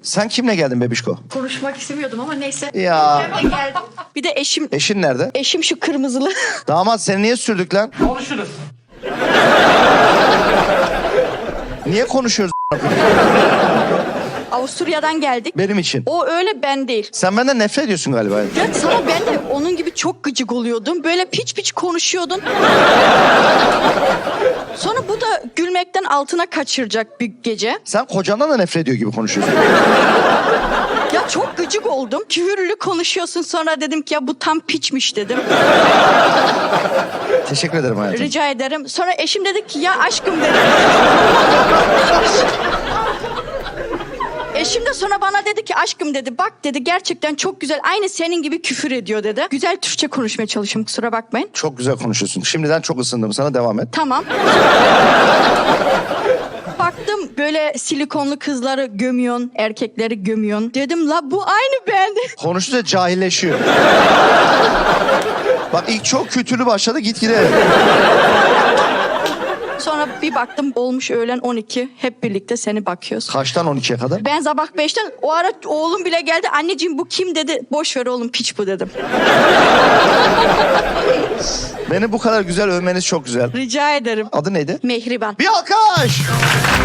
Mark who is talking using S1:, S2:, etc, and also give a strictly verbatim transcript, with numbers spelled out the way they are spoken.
S1: Sen kimle geldin bebişko?
S2: Konuşmak istemiyordum ama neyse.
S1: Ya.
S2: Hemen geldim. Bir de eşim,
S1: Eşin nerede?
S2: eşim şu kırmızılı.
S1: Damat seni niye sürdük lan?
S3: Konuşuruz.
S1: Niye konuşuyoruz?
S2: Avusturya'dan geldik.
S1: Benim için.
S2: O öyle, ben değil.
S1: Sen benden nefret ediyorsun galiba.
S2: Ya sana ben de onun gibi çok gıcık oluyordum. Böyle piç piç konuşuyordun. Sonra bu da gülmekten altına kaçıracak bir gece.
S1: Sen kocandan da nefret ediyor gibi konuşuyorsun.
S2: Ya çok gıcık oldum. Küfürlü konuşuyorsun, sonra dedim ki ya bu tam piçmiş dedim.
S1: Teşekkür ederim hayatım.
S2: Rica ederim. Sonra eşim dedi ki ya aşkım dedi. Eşim de sonra bana dedi ki aşkım dedi, bak dedi gerçekten çok güzel, aynı senin gibi küfür ediyor dedi. Güzel Türkçe konuşmaya çalışıyorum, kusura bakmayın.
S1: Çok güzel konuşuyorsun. Şimdiden çok ısındım. Sana devam et.
S2: Tamam. Baktım böyle silikonlu kızları gömüyorsun, erkekleri gömüyorsun. Dedim la bu aynı ben.
S1: Konuşunca cahilleşiyor. Bak ilk çok kötülü başladı, gitgide.
S2: Sonra bir baktım olmuş öğlen on iki, hep birlikte seni bakıyoruz.
S1: Kaçtan on ikiye kadar?
S2: Ben sabah beşten, o ara oğlum bile geldi. Anneciğim bu kim dedi. Boş ver oğlum, piç bu dedim.
S1: Beni bu kadar güzel övmeniz çok güzel.
S2: Rica ederim.
S1: Adı neydi?
S2: Mehriban.
S1: Bir alkış!